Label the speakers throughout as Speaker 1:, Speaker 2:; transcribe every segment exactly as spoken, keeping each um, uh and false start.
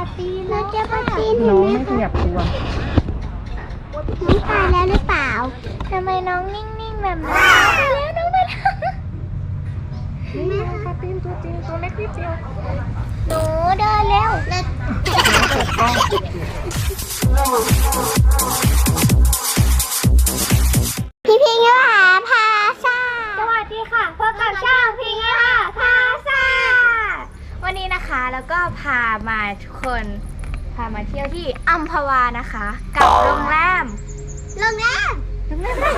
Speaker 1: ตีนเราจะปาตีน
Speaker 2: น้องไม่ขยับตัว
Speaker 1: น้องตายแล้วหรือเปล่าทำไมน้องนิ่งๆแบบนั้นไปแล้วน้องไปแล้ว
Speaker 2: นี่ปลาตีนตัวจริงตัวเล็กนิดเดียว
Speaker 1: หนูเดินเร็วเลย
Speaker 2: เปิดกล้อง
Speaker 1: พี่พิงค์หาพาซาสวัสดีค่ะพบกับช่องพิงค์หาพาซาวันนี้นะคะแล้วก็พามาทุกคนพามาเที่ยวที่อัมพวานะคะกับโรงแรมโรงแรมโรงแรม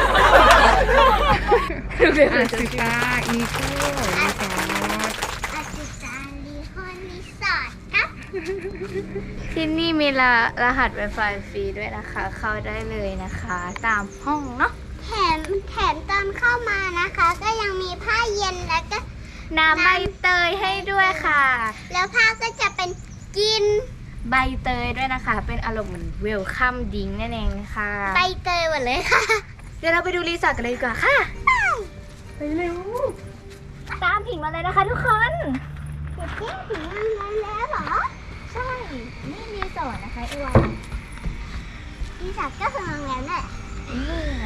Speaker 2: อาซิกาอีโก้รีสอร์ท
Speaker 1: อาซิกาลีคอนรีสอร์ทครับที่นี่มีรรหัส Wi-Fi ฟรีด้วยนะคะ เข้าได้เลยนะคะตามห้องเนาะแถมแถมตอนเข้ามานะคะ ก็ยังมีผ้าเย็นแล้วก็น้ำใบเตยให้ด้วยค่ะ แล้วผ้าก็จะเป็นกินใบเตยด้วยนะคะ เป็นอารมณ์เหมือนเวลคัมดิ้งนั่นเองค่ะใบเตยหมดเลยค่ะเดี๋ยวเราไปดูรีสอร์ทกันเลยดีกว่าค่ะไปเร็วตามผิงมาเลยนะคะทุกคนเด็กเจ๊ผิงมาแล้วเหรอใช่นี่รีสอร์ทนะคะอีวันรีสอร์ทก็คือโรงแรมแหละนี่นะ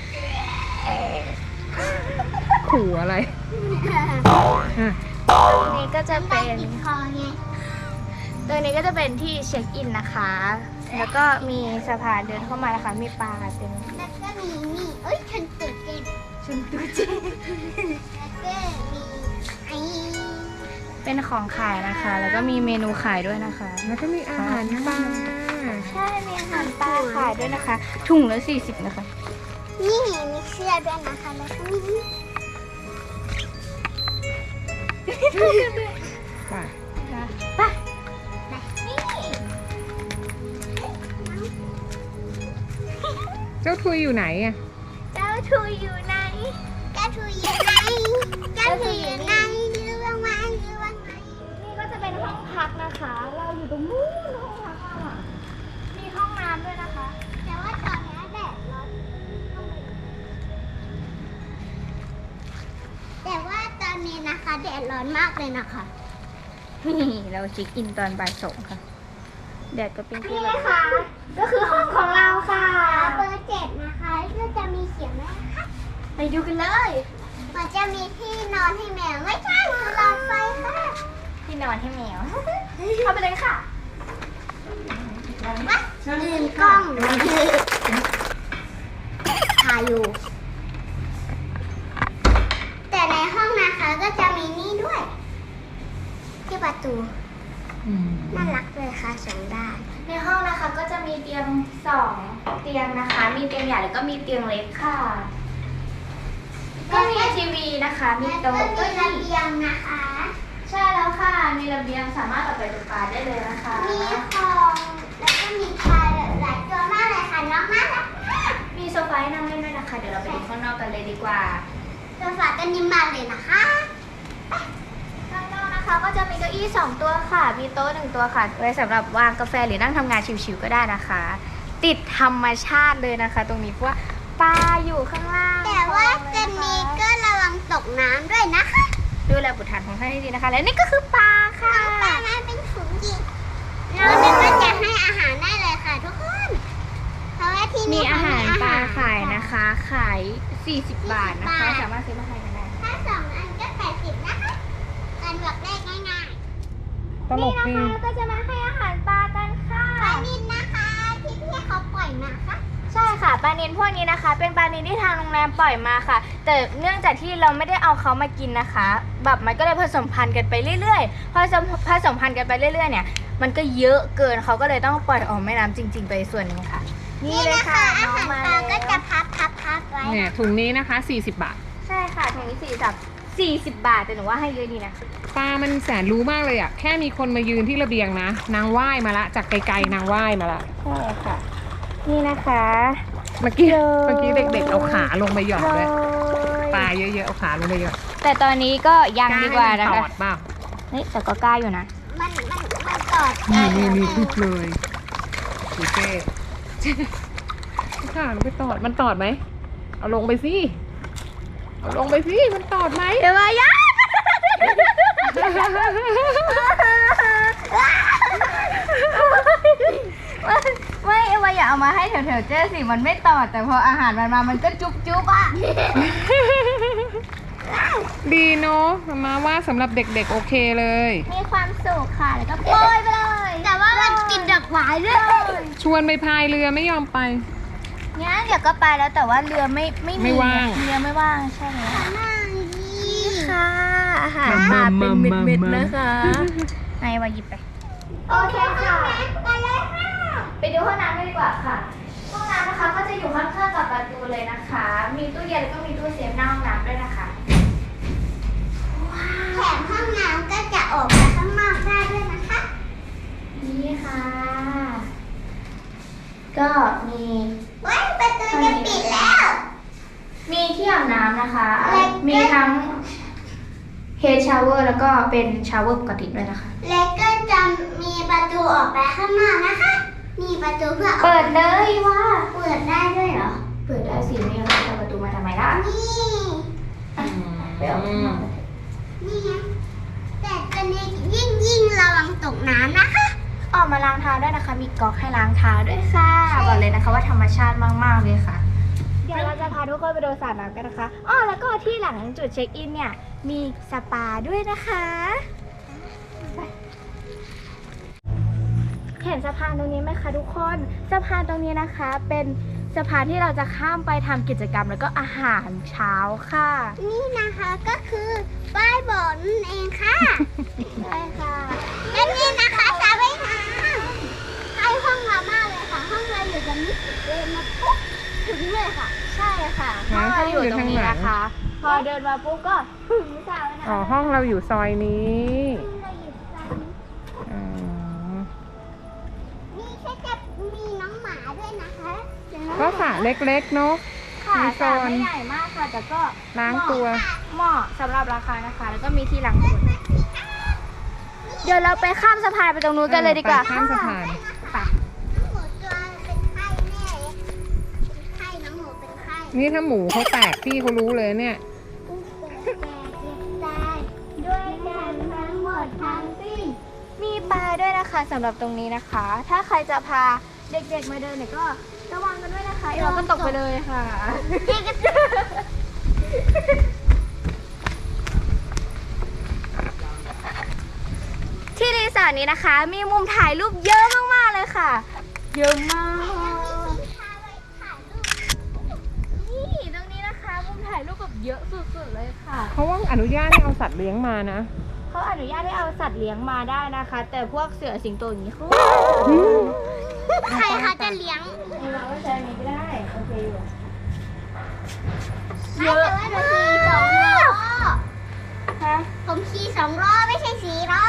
Speaker 2: ขู่อะไรอ่ะ
Speaker 1: ตรงนี้ก็จะเป็นคอไงตรงนี้ก็จะเป็นที่เช็คอินนะคะ แล้วก็มีสะพานเดินเข้ามานะคะมีปลาเต็มแล้วก็มีนี่เอ้ยฉันตื่นเต้นฉันตื่นเต้นแล้วก็มีไอเป็นของขายนะคะ แล้วก็มีเมนูขายด้วยนะคะ
Speaker 2: แล้วก็มีอาหารปลา
Speaker 1: ใช่มีอาหารปลาขายด้วยนะคะ ถุงละสี่สิบนะคะ นี่มีเสื้อด้วยนะคะ แล้วก็มี
Speaker 2: ไป
Speaker 1: ไปนี่
Speaker 2: เจ้าทุยอยู่ไหนอ่ะ
Speaker 1: เจ้าทุยอยู่ไหนเจ้าทุยอยู่ไหนเจ้าทุยอยู่ไหนรู้บ้างไหมรู้บ้างไหมนี่ก็จะเป็นห้องพักนะคะ เราอยู่ตรงนู้นห้องพักอ่ะมีห้องน้ำด้วยนะคะ แต่ว่าตอนนี้แดดร้อนแต่ว่าตอนนี้นะคะแดดร้อนมากเลยนะคะนี่เราเช็คอินตอนบ่ายสองค่ะแดดก็เป็นที่นี่ค่ะก็คือห้องของเราค่ะเบอร์เจ็ดนะคะก็จะมีเขียนไว้นะคะไปดูกันเลยมันจะมีที่นอนให้แมวไม่ใช่คือหลอดไฟค่ะที่นอนให้แมวเข้าไปเลยค่ะลืมกล้องถ่ายอยู่แต่ในห้องนะคะก็จะมีนี่ด้วย ที่ประตูน่ารักเลยค่ะสองด้านในห้องนะคะก็จะมีเตียงสองเตียงนะคะ มีเตียงใหญ่แล้วก็มีเตียงเล็กค่ะ ก็มีทีวีนะคะ มีโต๊ะก็มีระเบียงนะคะ ใช่แล้วค่ะ มีระเบียงสามารถออกไปดูปลาได้เลยนะคะ มีของแล้วก็มีปลาหลายตัวมากเลยค่ะน้องน่ารักมากมีโซฟาให้นั่งเล่นด้วยนะคะ เดี๋ยวเราไปดูข้างนอกกันเลยดีกว่าโซฟาก็นิ่มมากเลยนะคะข้างนอกนะคะก็จะมีเก้าอี้สองตัวค่ะ มีโต๊ะหนึ่งตัวค่ะ ไว้สำหรับวางกาแฟหรือนั่งทำงานชิวๆก็ได้นะคะ ติดธรรมชาติเลยนะคะ ตรงนี้เพราะว่าปลาอยู่ข้างล่างแต่ว่าจะมีก็ระวังตกน้ำด้วยนะคะดูแลบุตรหลานของท่านให้ดีนะคะ และนี่ก็คือปลาค่ะปลามาเป็นถุงยิงเราเนี่ยก็จะให้อาหารได้เลยค่ะทุกคนเพราะว่าที่นี่มีอาหารปลาขายนะคะ ขายสี่สิบบาทนะคะสามารถซื้อมาทานกันได้ถ้าสองอันก็แปดสิบนะคะการบวกเลขง่ายๆ
Speaker 2: ตลกดี
Speaker 1: นี่นะคะเราก็จะมาให้อาหารปลากันค่ะปลานิลนะคะที่พี่เขาปล่อยมาค่ะใช่ค่ะปลานิลพวกนี้นะคะ เป็นปลานิลที่ทางโรงแรมปล่อยมาค่ะ แต่เนื่องจากที่เราไม่ได้เอาเขามากินนะคะแบบมันก็เลยผสมพันธุ์กันไปเรื่อยๆพอผสมพันธุ์กันไปเรื่อยๆเนี่ยมันก็เยอะเกินเขาก็เลยต้องปล่อยออกแม่น้ำจริง ๆ ไปส่วนหนึ่งค่ะนี่เลยค่ะอาหารปลาก็จะพับพับพับไว้
Speaker 2: เนี่ยถุงนี้นะคะสี่สิบบาท
Speaker 1: ใช่ค่ะถุงนี้สี่สิบสี่สิบบาทแต่หนูว่าให้เยอะดีนะ
Speaker 2: ปลามันแสนรู้มากเลยอ่ะแค่มีคนมายืนที่ระเบียงนะนางว่ายมาละจากไกลๆนางว่ายมาละ
Speaker 1: ใช่ค่ะนี่นะคะ
Speaker 2: เมื่อกี้เมื่อกี้เด็กๆเอาขาลงไปหยอดเลยปลาเยอะๆเอาขาลงไปหยอด
Speaker 1: แต่ตอนนี้ก็ยังดีกว่านะคะ
Speaker 2: ตอดเปล่า
Speaker 1: เฮ้ยแต่ก็กล้าอยู่นะมันมันมันตอด
Speaker 2: นี่นี่นี่ทุกเลยดูเจ๊ขาลงไปตอดมันตอดไหมเอาลงไปสิเอาลงไปสิมันตอดไหม
Speaker 1: เดี๋ยวมาย่าแถวๆเจ๊สิมันไม่ตอดแต่พออาหารมันมามันก็จุ๊บจุ๊บอ่ะ
Speaker 2: ดีเนาะมาว่าสำหรับเด็กๆโอเคเลย
Speaker 1: มีความสุขค่ะแล้วก็โปรยไปเลย แต่ว่ามันกินดอกหวายด้วย
Speaker 2: ชวนไปพายเรือไม่ยอมไป
Speaker 1: งั้นเดี๋ยวก็ไปแล้วแต่ว่าเรือไม่ไม่
Speaker 2: ไม่ว่าง
Speaker 1: เรือไม่ว่างใช่ไหมนี่ค่ะอาหาร
Speaker 2: มา
Speaker 1: มาเป็น
Speaker 2: มา
Speaker 1: เม็ด
Speaker 2: มา
Speaker 1: ๆนะคะนายว่าหยิบไปโอเคค่ะไปเลยค่ะไปดูห้องน้ำกันดีกว่าค่ะห้องน้ำนะคะก็จะอยู่ข้างๆกับประตูเลยนะคะ มีตู้เย็นแล้วก็มีตู้เซฟหน้าห้องน้ำด้วยนะคะแถมห้องน้ำก็จะออกมาข้างนอกได้ด้วยนะคะ นี่ค่ะ ก็มีว้ายประตูจะปิดแล้ว มีที่อาบน้ำนะคะ มีทั้งเฮดชาวเวอร์แล้วก็เป็นชาวเวอร์ปกติด้วยนะคะ
Speaker 3: แล้วก็จะมีประตูออกไปข้างนอกนะคะ มีประตูเพื่อ
Speaker 1: เปิดเลยว่า
Speaker 3: เปิดได้ด้วยเหรอ
Speaker 1: เปิดได้สิไม่งั้นจะประตูมาทำไมล่ะ
Speaker 3: นี่
Speaker 1: ไปออกข้างนอก
Speaker 3: นี่ไงแต่ตอนนี้ยิ่งยิ่งระวังตกน้ำนะคะ
Speaker 1: ออกมาล้างเท้าด้วยนะคะ มีก๊อกให้ล้างเท้าด้วยค่ะบอกเลยนะคะว่าธรรมชาติมากๆเลยค่ะ เดี๋ยวเราจะพาทุกคนไปดูสระน้ำกันนะคะอ้อแล้วก็ที่หลังจุดเช็คอินเนี่ยมีสปาด้วยนะคะไปเห็นสะพานตรงนี้ไหมคะทุกคนสะพานตรงนี้นะคะเป็นสะพานที่เราจะข้ามไปทำกิจกรรมแล้วก็อาหารเช้าค่ะ
Speaker 3: นี่นะคะก็คือป้ายบอกนั่นเองค่ะ
Speaker 1: ใช่ค่ะ
Speaker 3: และนี่นะคะสระว่ายน้ำให้ห้องเรามากเลยค่ะ ห้องเราอยู่ตรงนี้เดินมาปุ๊บถึงเลยค่ะ
Speaker 1: ใช่ค่ะ
Speaker 2: ร้าน
Speaker 1: เรา
Speaker 2: เขา
Speaker 1: อ
Speaker 2: อยู่
Speaker 1: ยู่ตรงนี้
Speaker 2: ข้างหลัง
Speaker 1: นะคะ พอเดินมาปุ๊บก็ถึงสระว่ายน้ำ
Speaker 2: อ๋อห้องเราอยู่ซอยนี้
Speaker 3: เราอยู่ตรงนี้
Speaker 2: อ๋อ
Speaker 3: นี่ก็จะมีน้องหมาด้วยนะคะเดี๋ยวน้อง
Speaker 2: ก็สระเล็กๆเนาะ
Speaker 1: ค่ะ
Speaker 2: มี
Speaker 1: ส
Speaker 2: โซ
Speaker 1: ระ
Speaker 2: น
Speaker 1: ไม่ใหญ่มากค่ะ แต่ก็
Speaker 2: ล้างตัว
Speaker 1: เหมาะสำหรับราคานะคะ แล้วก็มีที่ล้างตัวเดี๋ยวเราไปข้ามสะพานไปตรงนู้นกันเลยดีกว่า
Speaker 2: ไปข้ามสะพาน
Speaker 1: ไป
Speaker 3: น้องหมูตัวเป็นไข้แน่เลยเป็นไข้น้องหมูเป็นไข้
Speaker 2: นี่ถ้าหมูเขาแตกพี่เขารู้เลยเนี่ย
Speaker 3: อุ๊ยแก่เจ็บตายด้วยกันทั้งหมดทั้งสิ้น
Speaker 1: มีปลาด้วยนะคะสำหรับตรงนี้นะคะ ถ้าใครจะพาเด็กๆมาเดินเนี่ยก็ระวังกันด้วยนะคะเดี๋ยวเราก็ตกไปเลยค่ะ ที่รีสอร์ทนี้นะคะ มีมุมถ่ายรูปเยอะมากๆเลยค่ะ เยอะมาก นี่ตรงนี้นะคะ มุมถ่ายรูปแบบเยอะสุดๆเลยค่ะ
Speaker 2: เขาว่าอนุญาตให้เอาสัตว์เลี้ยงมานะ
Speaker 1: เขาอนุญาตให้เอาสัตว์เลี้ยงมาได้นะคะ แต่พวกเสือสิงโตอย่างนี้เขา
Speaker 3: ใครเขาจะเลี้ยง
Speaker 1: เราก็ใช้นี้ก็ได้ โอเคอยู่
Speaker 3: ไม่แต่ว่าหนูขี่สองล้อ
Speaker 1: ฮะ
Speaker 3: ผมขี่สองล้อไม่ใช่สี่ล้อ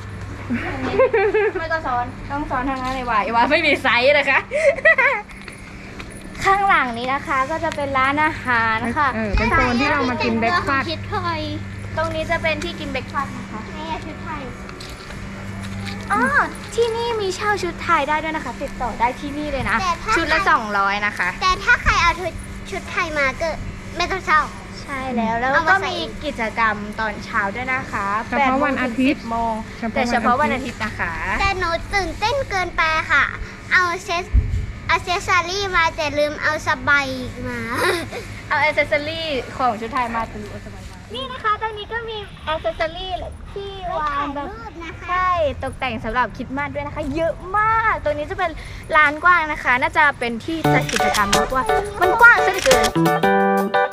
Speaker 1: ไม่ก็ซ้อนต้องซ้อนทางนั้นเลยว่ะไอ้ว่าไม่มีไซส์นะคะ ข้างหลังนี้นะคะก็จะเป็นร้านอาหารค่ะ
Speaker 2: เออเป็นโซนที่เรามากินเบรคฟาสต์
Speaker 3: คิดถอย
Speaker 1: ตรงนี้จะเป็นที่กินเบรกฟาสต์นะคะ
Speaker 3: แม่ชุดไทย
Speaker 1: อ๋อที่นี่มีเช่าชุดไทยได้ด้วยนะคะ ติดต่อได้ที่นี่เลยนะ
Speaker 3: แต่ถ้า
Speaker 1: ชุดละสองร้อยนะคะ
Speaker 3: แต่ถ้าใครเอาชุดชุดไทยมาก็ไม่ต้องเช่า
Speaker 1: ใช่แล้วแล้ว
Speaker 3: เอามา
Speaker 1: ก็
Speaker 3: ใส่
Speaker 1: มีกิจกรรมตอนเช้าด้วยนะคะ
Speaker 2: เฉพาะวันอาทิตย์
Speaker 1: แปดโมงถึงสิบโมงแต่เฉพาะวันอาทิตย์นะคะ
Speaker 3: แต่หนูตื่นเต้นเกินไปค่ะ เอาเซสเอาเซสซารี่มาแต่ลืมเอาสบายมา
Speaker 1: เอาอ c เซสซอรี่ของชุดไทยมาตือโอสบายมานี่นะคะตรงนี้ก็มีอ c เซสซอรี่ที่วางแบบ
Speaker 3: รูปนะคะ
Speaker 1: ใช่ตกแต่งสำหรับคริดมาสด้วยนะคะ เยอะมาก ตรงนี้จะเป็นลานกว้างนะคะ น่าจะเป็นที่จัดกิจกรรมมากกว่ามันกว้างซะเหลือเกิน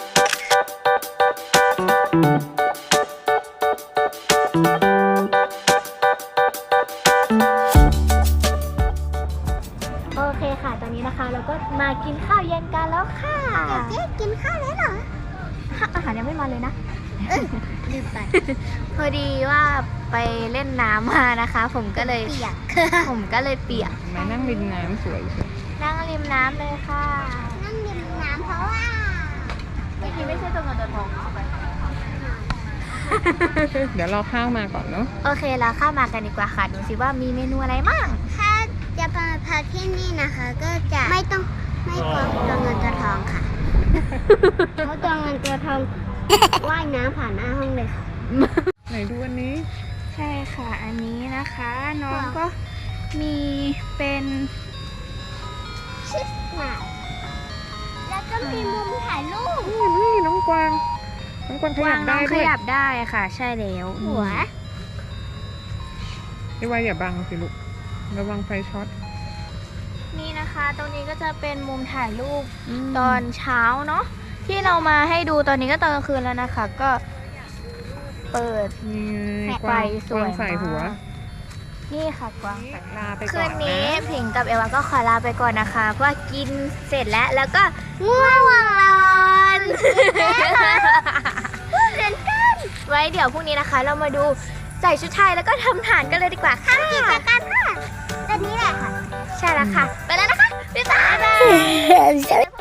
Speaker 1: โอเคค่ะ ตอนนี้นะคะเราก็มากินข้าวเย็นกันแล้วค่ะ
Speaker 3: เจ๊กินข้าวแล้วเหรอ
Speaker 1: อาหารยังไม่มาเลยนะ
Speaker 3: ลืมไป
Speaker 1: พอดีว่าไปเล่นน้ำมานะคะ ผมก็เลย
Speaker 3: เปียก
Speaker 1: ผมก็เลยเปียก
Speaker 2: มานั่งริมน้ำสวยเชียว
Speaker 1: นั่งริมน้ำเลยค่ะ
Speaker 3: นั่งดื่มน้ำเพราะว่า
Speaker 1: เมื่อกี้ไม่ใช่ตัวเงินตัวทอง
Speaker 2: เดี๋ยวรอข้าวมาก่อนเนาะ
Speaker 1: โอเคเราเข้ามากันดีกว่าค่ะ ดูสิว่ามีเมนูอะไรบ้าง
Speaker 3: ถ้าจะมาพักที่นี่นะคะ ก็จะไม่ต้องไม่กลัวตัวเงินตัวทองค่ะเพราะตัวเงินตัวทองว่ายน้ำผ่านหน้าห้องเลยค่ะ
Speaker 2: ไหนดูอันนี้
Speaker 1: ใช่ค่ะ อันนี้นะคะ น้องก็มีเป็น
Speaker 3: ชิสมาแล้วก็มีมุมถ่ายรูป
Speaker 2: นี่นี่น้องกวางน้องกวางขยับได้
Speaker 1: ข
Speaker 2: ด้วย
Speaker 1: ยับได้ค่ะ ใช่แล้ว
Speaker 3: หัว
Speaker 2: พี่วายอย่าบังสิลูกระวังไฟช็อต
Speaker 1: นี่นะคะ ตรงนี้ก็จะเป็นมุมถ่ายรูปตอนเช้าเนาะที่เรามาให้ดูตอนนี้ก็ตอนกลางคืนแล้วนะคะ ก็เปิด
Speaker 2: นี่ไงก
Speaker 1: ไฟ
Speaker 2: วาง
Speaker 1: ส
Speaker 2: ก
Speaker 1: ว
Speaker 2: วาย งใส่หัว
Speaker 1: มากนี่ค่ะกวาง
Speaker 2: ลาไปก่
Speaker 1: คื
Speaker 2: อน
Speaker 1: น
Speaker 2: นะ
Speaker 1: นี้ผิงกับเอวาก็ขอลาไปก่อนนะคะ เพราะว่ากินเสร็จแล้วแล้วก็ง่วงนอนไว้เดี๋ยวพรุ่งนี้นะคะ เรามาดูใส่ชุดไทยแล้วก็ทำฐานกันเลยดีกว่าค่ะ
Speaker 3: กิจกรรมค่ะตอนนี้แหละค่ะ
Speaker 1: ใช่แล้วค่ะ ไปแล้วนะคะ บ๊ายบาย
Speaker 3: บ๊ายบาย